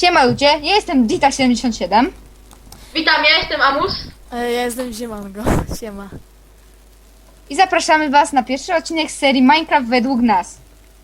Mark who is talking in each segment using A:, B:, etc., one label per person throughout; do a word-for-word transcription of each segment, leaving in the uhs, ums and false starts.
A: Siema ludzie, ja jestem Dita siedemdziesiąt siedem.
B: Witam, ja jestem Amus.
C: E, Ja jestem Ziemango. Siema.
A: I zapraszamy was na pierwszy odcinek z serii Minecraft według nas.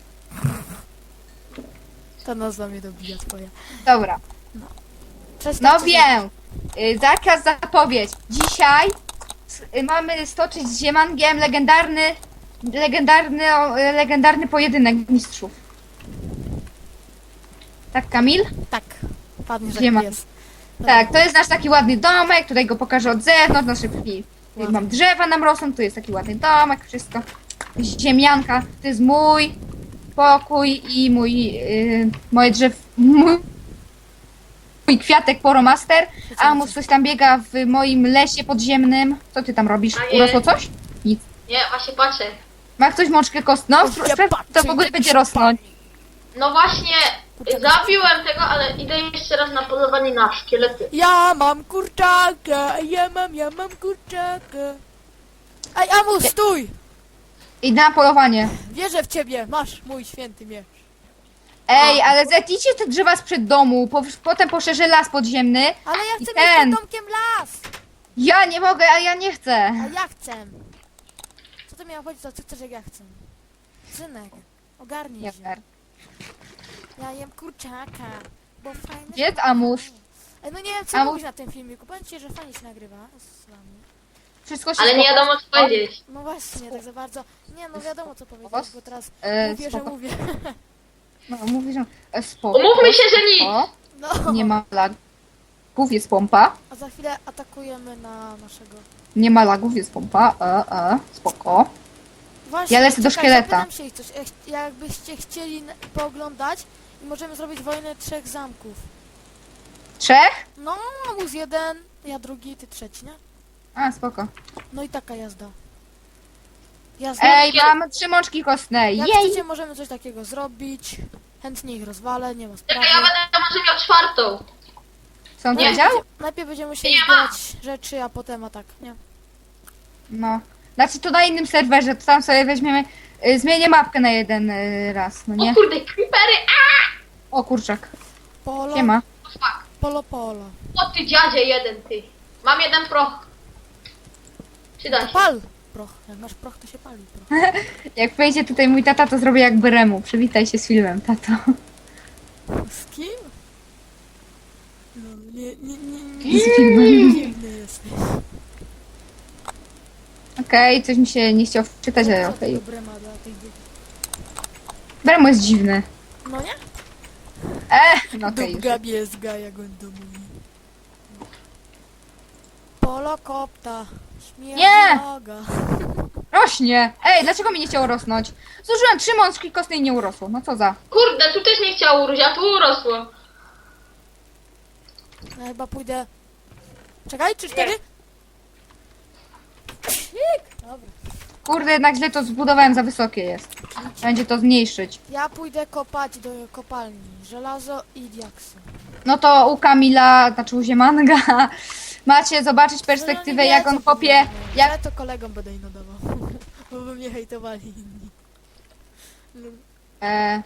C: Ta nazwa mnie dobija twoja.
A: Dobra,
C: Przestań
A: no
C: coś-
A: wiem. Y, Zakaz zapowiedź. Dzisiaj y, mamy stoczyć z Ziemangiem legendarny, legendarny, o, y, legendarny pojedynek mistrzów. Tak, Kamil?
C: Tak. Padnie, że
A: Ziema.
C: jest.
A: Tak, to jest nasz taki ładny domek, tutaj go pokażę od zewnątrz, nasze tutaj mam drzewa nam rosną, tu jest taki ładny domek, wszystko. Ziemianka, to jest mój pokój i mój, yy, moje drzew, mój, mój kwiatek Poromaster, a mu coś tam biega w moim lesie podziemnym. Co ty tam robisz?
B: A nie.
A: Urosło coś? Nic.
B: Nie, właśnie patrzę.
A: Ma ktoś mączkę kostną?
C: Ja
A: Sprawdź, to
C: patrzę,
A: w ogóle
C: jak
A: będzie
C: się
A: rosnąć.
B: No właśnie,
C: Kurczę,
B: zabiłem tego, ale idę jeszcze raz na polowanie na szkielety.
C: Ja mam kurczaka, ja mam, ja mam kurczaka. Ej, Amus, stój!
A: Idę na polowanie.
C: Wierzę w ciebie, masz mój święty miecz.
A: Ej, ale zetnijcie te drzewa sprzed domu, po, potem poszerzę las podziemny.
C: Ale ja
A: I
C: chcę
A: ten.
C: mieć pod domkiem las!
A: Ja nie mogę, a ja nie chcę.
C: A ja chcę. Co to miało chodzić, to co chcesz, jak ja chcę? Synek, ogarnij
A: Nie
C: się.
A: fair.
C: Ja jem kurczaka, bo fajny...
A: Gdzie jest Amus?
C: Ej, no nie wiem, co
A: Amus?
C: mówić na tym filmiku. Powiem ci, że fajnie się nagrywa z wami.
A: Wszystko się
B: Ale nie
A: spoko-
B: wiadomo co powiedzieć.
C: No właśnie, tak za bardzo. Nie, no wiadomo co powiedzieć,
A: Was?
C: bo teraz
A: E,
C: mówię, że
A: spoko.
C: mówię.
A: No, mówisz, że e, spoko.
B: Umówmy się, że nic.
A: O,
C: No.
A: nie ma lagów, jest pompa.
C: A za chwilę atakujemy na naszego.
A: Nie ma lagów, jest pompa. E, e, spoko.
C: Właśnie,
A: Ja lecę do
C: czekaj,
A: szkieleta.
C: zapytam się ich coś. Ech, jakbyście chcieli n- pooglądać i możemy zrobić wojnę trzech zamków.
A: Trzech?
C: No, Amus jeden, ja drugi, ty trzeci, nie?
A: A, spoko.
C: No i taka jazda. Jazda.
A: Ej, mam trzy mączki kostne.
C: Jak
A: Jej!
C: chcecie, możemy coś takiego zrobić. Chętnie ich rozwalę, nie ma sprawy.
B: Czekaj, ja będę może miał czwartą.
A: Co on
C: Najpierw
A: wiedział?
C: będzie- Najpierw będziemy musieli
B: Nie ma.
C: zbierać rzeczy, a potem atak, nie?
A: No. Znaczy to na innym serwerze, to tam sobie weźmiemy... Y, zmienię mapkę na jeden y, raz, no
B: O
A: nie?
B: kurde, creepery!
A: O kurczak.
C: Polo,
A: Siema.
B: A, fuck.
C: polo, polo.
B: O ty dziadzie jeden, ty. Mam jeden proch. Przyda się.
C: Pal proch. Jak masz proch, to się pali proch.
A: Jak wejdzie tutaj mój tata, to zrobię jak Bremu. Przywitaj się z filmem, tato.
C: Z kim? No, nie, nie, nie,
A: Z
C: nie.
A: filmem.
C: Dziwny jesteś.
A: Okej, coś mi się nie chciał wczytać, ale
C: Co
A: okej.
C: tego Brema dla tych dzieci?
A: Bremu jest dziwny.
C: No nie?
A: E, no okej. już.
C: Dubga biezga, jak on to mówi. Polo kopta. Śmierć
A: Nie!
C: noga.
A: Rośnie! Ej, dlaczego mi nie chciało rosnąć? Zużyłem trzy mączki kostne i nie urosło. No co za?
B: Kurde, tu też nie chciało urósł, a tu urosło.
C: Ja chyba pójdę... Czekaj, trzy, cztery? Dobra.
A: Kurde, jednak źle to zbudowałem, za wysokie jest. Będzie to zmniejszyć.
C: Ja pójdę kopać do kopalni. Żelazo i diaksy.
A: No to u Kamila, znaczy u Ziemanga, macie zobaczyć perspektywę,
C: No,
A: jak on kopie. Jak...
C: Ja to kolegom będę ino dawał. Bo by mnie hejtowali inni.
A: E...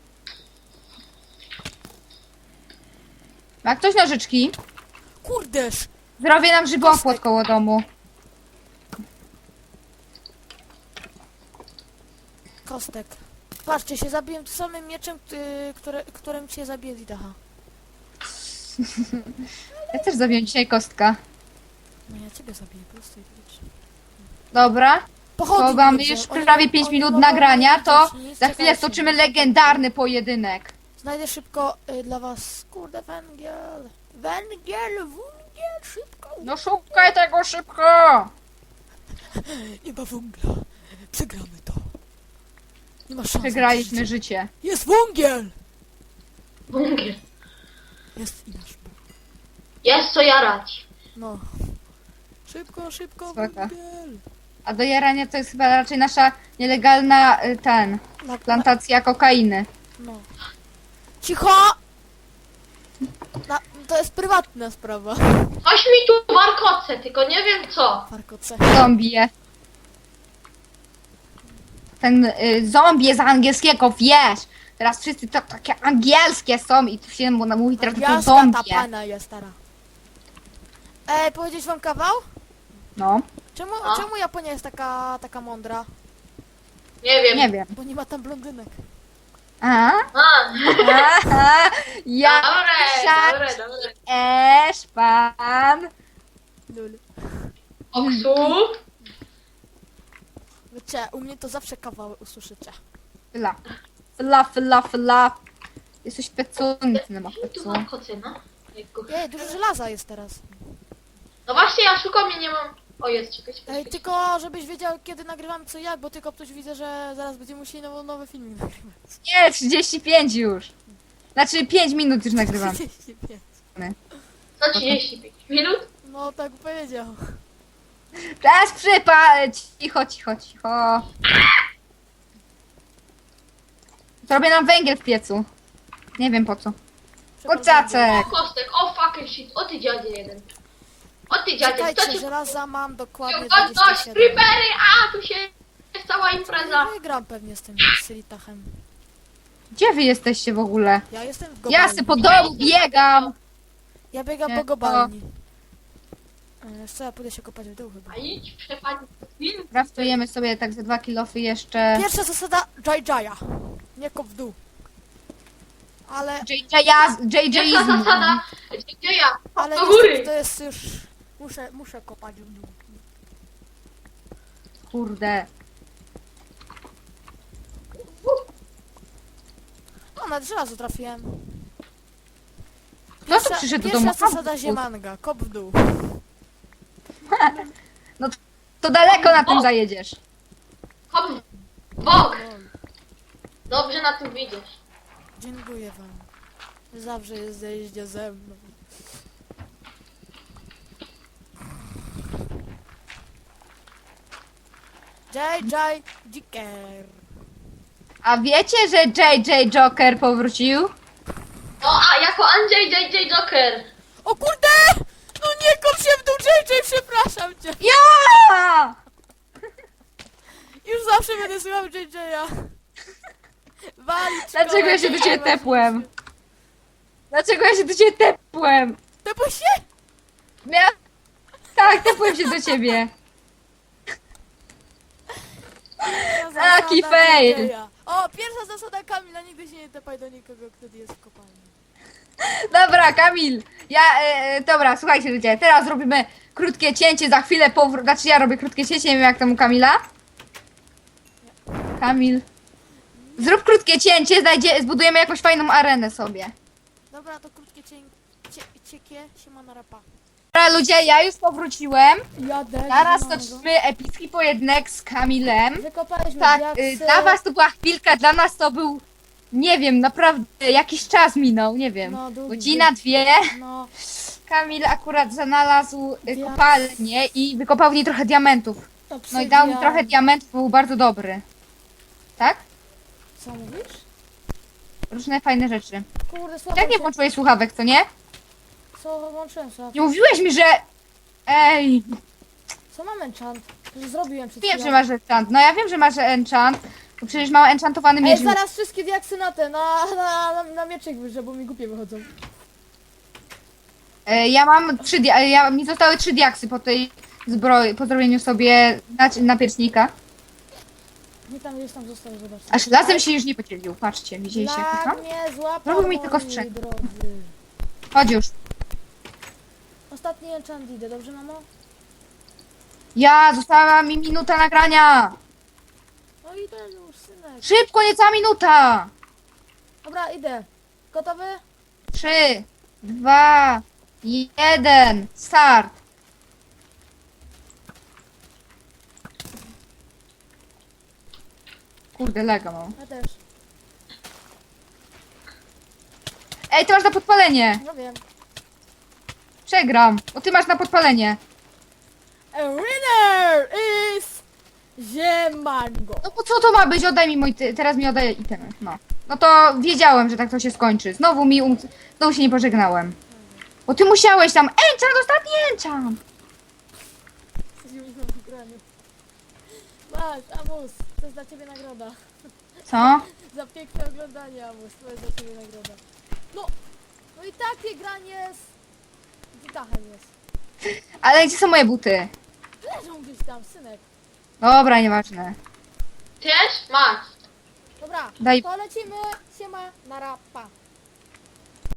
A: Ma ktoś nożyczki?
C: Kurdeż!
A: Zrobię nam żywopłot koło domu.
C: Kostek. Patrzcie, się zabiłem tym samym mieczem, y, które, którym cię zabije Didaha.
A: Ja też zabiję dzisiaj kostka.
C: No ja ciebie zabiję, prosto i logicznie.
A: Dobra,
C: Pochodnie
A: to mamy
C: widzę.
A: już
C: Oni-
A: prawie pięć
C: oni
A: minut
C: mogą
A: nagrania,
C: nie
A: to
C: widzieć nic,
A: za chwilę
C: czekajcie.
A: stoczymy legendarny pojedynek.
C: Znajdę szybko y, dla was, kurde, węgiel. Węgiel, węgiel, szybko.
A: No szukaj tego szybko!
C: Nie ma węgla. Przegramy to. Nie ma szans.
A: Przegraliśmy życie.
C: Jest węgiel!
B: Bunkier.
C: Jest i nasz Bóg.
B: Jest co jarać.
C: No. Szybko, szybko,
A: Spoko.
C: węgiel.
A: A do jarania to jest chyba raczej nasza nielegalna y, ten,
C: Na,
A: plantacja kokainy.
C: no. Cicho! Na, to jest prywatna sprawa.
B: Coś mi tu warkoce, tylko nie wiem co.
C: Farkoce.
A: Zombie. Ten y, zombie z angielskiego, wiesz, Teraz wszyscy to takie angielskie są i tu się mu- mówi teraz tylko
C: Jaska ta
A: zombie.
C: pana jest stara. Ej, powiedzieć wam kawał?
A: No,
C: Czemu,
B: No.
C: czemu Japonia jest taka, taka mądra?
B: Nie wiem.
A: nie wiem.
C: Bo nie ma tam blondynek.
A: A?
B: A,
A: Aha, ja
B: dobre, dobre, dobre.
A: esz pan.
C: Lul.
B: Oksu.
C: Wiecie, u mnie to zawsze kawały usłyszycie.
A: Fla. Fla, fla, fla. Jesteś pecunny, ma
B: Tu
A: pecu.
B: mam kocyna. Jejku.
C: Ej, dużo żelaza jest teraz.
B: No właśnie, ja szukam, ja nie mam... O, jest, czekaj, czekaj,
C: Ej,
B: czekaj.
C: tylko żebyś wiedział kiedy nagrywam co jak, bo tylko ktoś widzę, że zaraz będziemy musieli nowy, nowy filmik nagrywać.
A: Nie, trzydzieści pięć już. Znaczy pięć minut już nagrywam.
C: trzydzieści pięć.
B: Co, trzydzieści pięć minut?
C: No tak powiedział.
A: Czas przypać. Cicho, cicho, cicho. Zrobię nam węgiel w piecu. Nie wiem po co. Kurczaczek.
B: O, kostek, o fucking shit, o ty dziadzie jeden. O ty dziadzie, co
C: Czekajcie,
B: ci...
C: żelaza mam dokładnie
B: Godność,
C: dwadzieścia siedem.
B: creepery, a tu się... jest cała impreza.
C: Nie wygram pewnie z tym Silitachem.
A: Gdzie wy jesteście w ogóle?
C: Ja jestem w
A: Ja
C: Gobalni.
A: se po domu biegam.
C: Ja biegam
A: Nie,
C: po Gobalni. E, Co, ja pójdę się kopać w dół chyba.
B: A idź, przepadł film.
A: Kraftujemy sobie tak ze dwa kilofy jeszcze.
C: Pierwsza zasada Jai Jaya. Nie kop w dół. Ale,
A: J J
B: Pierwsza
A: izm.
B: zasada, gdzie ja?
C: ale
B: Do
C: niestety
B: góry.
C: to jest już... Muszę, muszę kopać w dół.
A: Kurde.
C: O, nawet żelazo trafiłem.
A: Kto tu przyszedł do
C: Pierwsza
A: domu?
C: zasada ziemanga. Kop w dół.
A: To daleko na tym zajedziesz.
B: Hop, bok.
C: Lol.
B: Dobrze na tym widzisz.
C: Dziękuję wam. Zawsze jesteście ze mną. Jai Jai Jiker.
A: A wiecie, że J J Joker powrócił?
B: No, a jako Andrzej J J Joker.
C: O kurde! No nie kop się w dół, Jai Jai, przepraszam cię.
A: Ja!
C: Już zawsze będę słuchał Jai Jai'a. Walić
A: Dlaczego ja się do ciebie tepłem? Dlaczego ja się do ciebie tepłem?
C: Tepło się?
A: Mia... Tak, tepłem się do ciebie.
C: Pierwsza
A: Taki
C: zasada
A: fail.
C: Jai Jai'a. O, pierwsza zasada Kamila, nigdy się nie tepaj do nikogo, kto jest w kopalni.
A: Dobra, Kamil. Ja, e, dobra, słuchajcie ludzie, teraz robimy krótkie cięcie, za chwilę powrót. Znaczy ja robię krótkie cięcie, nie wiem jak tam u Kamila. Kamil. Zrób krótkie cięcie, znajdzie, zbudujemy jakąś fajną arenę sobie.
C: Dobra, to krótkie cień... Cie, ciekie, siema na rapa.
A: Dobra ludzie, ja już powróciłem.
C: Jadę.
A: Zaraz toczymy epicki pojedynek z Kamilem.
C: Wykopaliśmy
A: Tak,
C: diaksy.
A: y, dla was to była chwilka, dla nas to był, nie wiem, naprawdę jakiś czas minął, nie wiem.
C: No, długi,
A: Godzina, dwie.
C: No,
A: Kamil akurat znalazł y,
C: Diaks.
A: kopalnię i wykopał w niej trochę diamentów.
C: to
A: No i dał mi trochę diamentów, był bardzo dobry. Tak?
C: Co mówisz?
A: Różne fajne rzeczy.
C: Kurde, słabo
A: Jak nie
C: się...
A: włączyłeś słuchawek, co nie?
C: Co włączyłem sobie?
A: Nie mówiłeś mi, że... Ej,
C: Co mam enchant? Że zrobiłem przed
A: wiem,
C: chwilą.
A: że masz enchant. No ja wiem, że masz enchant. Bo przecież mam enchantowany
C: Ej,
A: miecz.
C: zaraz wszystkie diaksy na te, na, na, na, na mieczek wyżej, bo mi głupie wychodzą.
A: E, Ja mam trzy dia- ja, mi zostały trzy diaksy po tej zbroi, po zrobieniu sobie na, napiecznika.
C: Nie tam gdzieś tam zostało, zobaczcie.
A: Aż lasem się już nie podzielił. Patrzcie, widzieliście jak to
C: Lag
A: są?
C: mnie złapał,
A: Zrobił mi tylko
C: moi
A: strzęp.
C: drodzy.
A: Chodź już.
C: Ostatni enchant idę, dobrze mamo?
A: Ja, została mi minuta nagrania.
C: No idę już, synek.
A: Szybko, niecała minuta.
C: Dobra, idę. Gotowy?
A: Trzy, dwa, jeden, start. Kurde, lega mam.
C: Ja też.
A: Ej, ty masz na podpalenie.
C: No wiem.
A: Przegram, bo ty masz na podpalenie.
C: A winner is Ziemango.
A: No bo co to ma być? Oddaj mi mój, ty- teraz mi oddaj itemy. No. No to wiedziałem, że tak to się skończy. Znowu mi, um... znowu się nie pożegnałem. Bo ty musiałeś tam, enchant, ostatni enchant.
C: Masz, Amus, to jest dla ciebie nagroda.
A: Co?
C: Za piękne oglądanie, Amus, to jest za ciebie nagroda. No, no i takie granie z Witachem jest.
A: Ale gdzie są moje buty?
C: Leżą gdzieś tam, synek.
A: Dobra, nieważne.
B: Też? Masz.
C: Dobra,
A: Daj-
C: to lecimy, siema, na rapa.